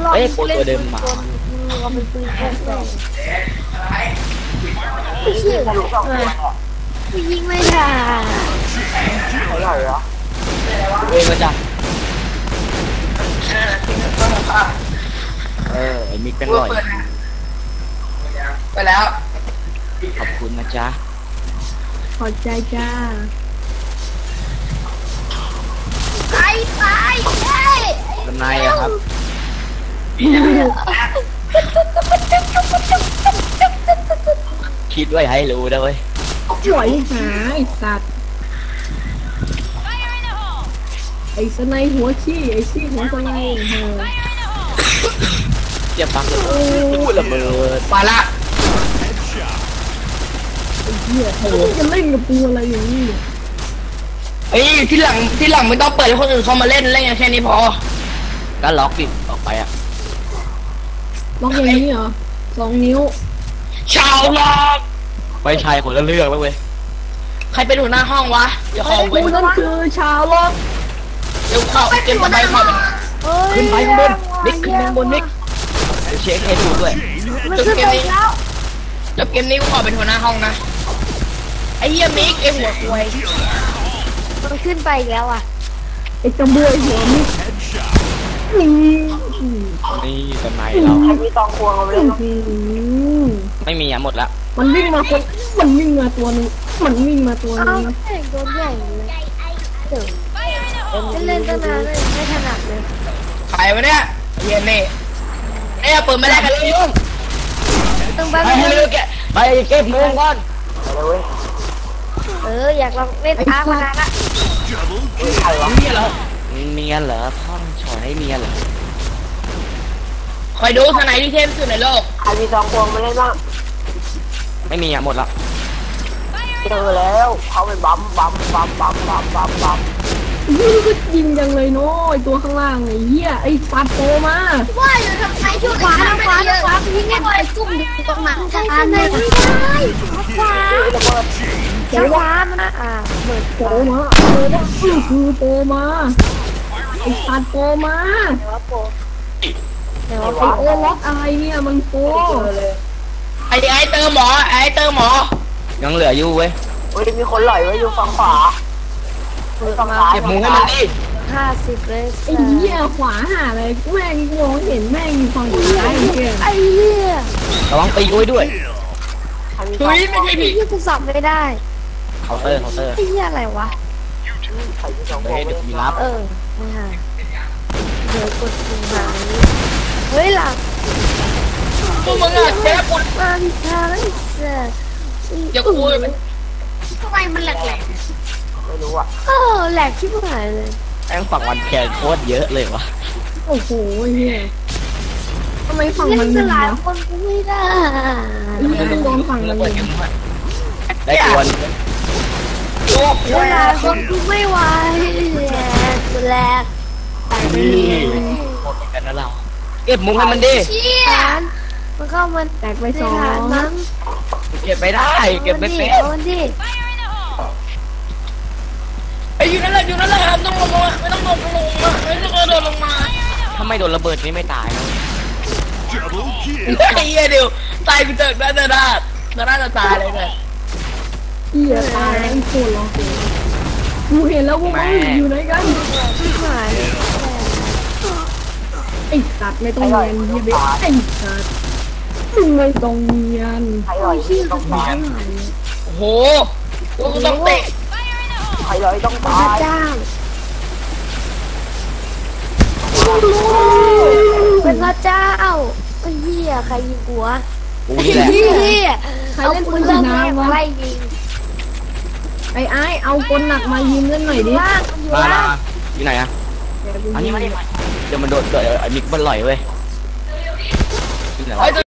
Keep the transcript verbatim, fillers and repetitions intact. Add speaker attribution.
Speaker 1: ลอง
Speaker 2: เอ้ยโปร
Speaker 1: เล่น
Speaker 2: ตัวเดิ
Speaker 1: ปื
Speaker 2: ม
Speaker 1: น
Speaker 2: มา
Speaker 1: กลเราเป็นปืนกลเลยไม่เชื่อกูยิงไม่ได้
Speaker 3: อร่อยเหรอ
Speaker 2: เว้ยมาจ้ะเออไอ้มิกเป็นร่อย
Speaker 3: ไปแล้ว
Speaker 2: ขอบคุณนะจ๊ะ
Speaker 1: ขอบใจจ้า
Speaker 4: ไปไปเฮ้ย
Speaker 2: ทำนายอะครับคิดไว้ให้รู้นะเว้ย
Speaker 1: หวยหาไอ้สัตว์ไอ้สไนหัวขี้ไอ้ขี้หัวสไนเฮ้ย
Speaker 2: เจ็บปังเลยอู้ระเบิด
Speaker 3: มาละ
Speaker 1: ไอ้เหี้ยเขาจะเล่นกับกูอะไรอย่างนี้
Speaker 3: เอ้ยที่หลังที่หลังไม่ต้องเปิดให้คนอื่นเขามาเล่นเล่นแค่นี้พอ
Speaker 2: ก็ล็อกดิออกไปอ่ะ
Speaker 1: ล็อกอย่างนี้เหรอสองนิ้ว
Speaker 3: ชาวล็อก
Speaker 2: ไม่ใช่คนละเรื่องแล้วเว้ย
Speaker 3: ใครเป็นหัวหน้าห้องวะเดี๋ยวขอ
Speaker 1: กู
Speaker 3: เว้น
Speaker 1: นั่นคือชาวล็อก
Speaker 3: เดี๋ยวขอเกมต่อไปขอเป็น
Speaker 2: ขึ้นไปข้างบนนิกขึ้นไปข้างบนนิกเดี๋ยวเช็คให้ดูด้วย
Speaker 4: มันขึ้นไปแล้ว
Speaker 3: จบเกมนี้กูขอเป็นหัวหน้าห้องนะไอ้เหี้ยมิกไอ้หัวควาย
Speaker 4: มันขึ้นไปอีกแล้วอ่ะ
Speaker 1: ไอ้กระบวยหัวมิดนี่
Speaker 2: นี่ทำนายเรา
Speaker 3: มีตองควงเอาไปเล่น
Speaker 1: อื้อหือ
Speaker 2: ไม่มีอ่ะหมดละ
Speaker 1: มันวิ่งมาคนมันวิ่งมาตัวนึงมันวิ่งมาตัว
Speaker 4: เอ้า
Speaker 1: นึง
Speaker 4: แข่งโดนแย่งเลยเดี๋ยวเล่นตั้งนานเลยไม่ถนัดเลย
Speaker 3: ใครวะเนี่ยไอ้เหี้ยนี่เอ้ยเปิดไม่ได้กันเลยยุ่ง
Speaker 4: ต้องไป
Speaker 2: ไปให้เลือกแกไปเก็บมือก่อน
Speaker 4: เอออยากลองเล่นอาร์มานานละ
Speaker 2: เมียเหรอเมียเหรอพ่อมันฉอยให้เมียเหรอ
Speaker 3: คอยดูสไนที่เทพที่สุดในโลก
Speaker 5: ใครมีทองพวงมาเล่นบ้าง
Speaker 2: ไม่มีอ่ะหมดละ
Speaker 5: เจอแล้วเขาไปบัมบัมบัมบัมบัมบัมบัม
Speaker 1: ยิงก็ยิงจังเลยเนาะไอ้ตัวข้างล่างไอ้เหี้ยไอ้ปัดโตมา
Speaker 4: ว่าอยู่ทำไมช่วยขวาทางขวาทางขวายิงให้บอยซุ่มอยู่ตรงนั้นทางไหนไม่ได้ขวาทางขวามันอ่ะเปิด
Speaker 1: โตมาโตมาอื้อคือโตมาไอ้ปัดโตมา
Speaker 4: เดี๋ยว
Speaker 1: ไอ้โอล็อกอะไรเนี่ยมันโต
Speaker 3: ไอ้ไอ้เติมหมอไอ้เติมหมอ
Speaker 2: ยังเหลืออยู่เว้ย
Speaker 5: เฮ้ยมีคนหล่อยไว้อยู่ฝั่งขวาฝั่งซ้าย
Speaker 2: เก็บมือให้มันดิ
Speaker 4: ห้าสิบเลย
Speaker 1: ไอ้เหี้ยขวาหาอะไรแม่งมองเห็นแม่งอยู่ฝั่งซ้ายไอ้เหี้ย
Speaker 4: ไอ้เหี้ย
Speaker 2: ระวังตีกูไว้ด้วย
Speaker 5: ใครมีท
Speaker 3: ทุ
Speaker 5: อง
Speaker 3: ยไม่ใช่
Speaker 4: ไอ้
Speaker 3: ผี
Speaker 4: เหี้ยกูสับไม่ได้
Speaker 2: เคาน์เตอร์เคาน์เตอร์
Speaker 4: ไอ้เหี้ยอะไรวะ
Speaker 5: ใครมีทองพว
Speaker 2: เฮ้
Speaker 5: ง
Speaker 2: ยเดี๋ยวมีรับ
Speaker 4: เออไม่หายเดี๋ยวกดปุ่มหายเฮ้ยหลับ
Speaker 3: พวกมึงอะเจ๊ปุ่น
Speaker 4: มาดิทางไอ้เสือ
Speaker 3: อย่าคุยทำไมมันแหลก
Speaker 5: ไม่รู้อ่ะ
Speaker 4: เออแหลกชิบหายเลย
Speaker 2: แม่งฝั่งวันแคนโคตรเยอะเลยวะ
Speaker 1: โอ้โหเหี้ยทำไมฝั่ง
Speaker 4: เล่
Speaker 1: มัน
Speaker 4: น
Speaker 1: มึ
Speaker 4: กัน
Speaker 1: น
Speaker 4: หลายว
Speaker 1: ะ
Speaker 4: คนกูไม่ได้
Speaker 1: เหี้ยโดนฝั่งมัน
Speaker 2: เปิ
Speaker 1: มึ
Speaker 2: ด
Speaker 1: น
Speaker 2: เกมด้วยได้กวน
Speaker 3: ๆโอ้โห
Speaker 4: เวลาคนกูไม่ไหวแหลกกูแหลก
Speaker 2: นี่หมดกันนะเราเก็บมุ้งให้มันดิ
Speaker 4: เชี่ยมันเข้ามัน
Speaker 1: แตกไป
Speaker 4: ใน
Speaker 1: สอง
Speaker 4: ฐานมั้ง
Speaker 2: เก็บไม่ได้เก็บไม่เป็น
Speaker 4: เอามันดิ
Speaker 3: ไอ้อยู่นั่นแหละอยู่นั่นแหละครับต้องลงมาไม่ต้องลงลงมาไม่ต้องโดนลงมา
Speaker 2: ถ้าไม่โดนระเบิดนี่ไม่ตายนะ
Speaker 3: ไอ้เหี้ยเดี๋ยวตายกูเจอหน้าจะได้จะน่าจะตายเลยเนี่ย
Speaker 1: เหี้ยตายไอ้โคตรร้องกูเห็นแล้วพวกมันอยู่ไหนกัน
Speaker 4: ชิบหาย
Speaker 1: ไอ้สัตว์ไม่ต้องเรียนเหี้ยเบ๊ะไอ้สัตว์มึงไม่ต้องเรียน
Speaker 5: ใครหล่อยต้อง
Speaker 1: หา
Speaker 5: ตาย
Speaker 1: ย
Speaker 3: โอ้โหกูต้องเตะ
Speaker 5: ใครหล่อยต้อง
Speaker 4: พ
Speaker 5: ตา
Speaker 4: ระ
Speaker 5: ย
Speaker 4: เจ้าเป็นพระเจ้าไอ้เหี้ยใครยิงหัว
Speaker 2: กู
Speaker 4: ไอ้
Speaker 2: นี่แหละ
Speaker 4: เหี้ย
Speaker 1: ใคร
Speaker 4: เอา
Speaker 1: เล่น
Speaker 4: ปื
Speaker 1: ปื
Speaker 4: น
Speaker 1: น
Speaker 4: เริ่
Speaker 1: ฉี
Speaker 4: ม
Speaker 1: ด
Speaker 4: แรก
Speaker 1: น้ำวะ
Speaker 4: ไล่ยิง
Speaker 1: ไอ้ไอ้เอากลหนักมายิงเล่นหน่อยดิ
Speaker 4: ล่างมันอยู่
Speaker 2: มา
Speaker 4: ล่าง
Speaker 2: อยู่ไหนอะอันนี้มาดิเดี๋ยวมันโดดเดี๋ยวไอ้มิกมันลอยเว้ย
Speaker 3: ไอ้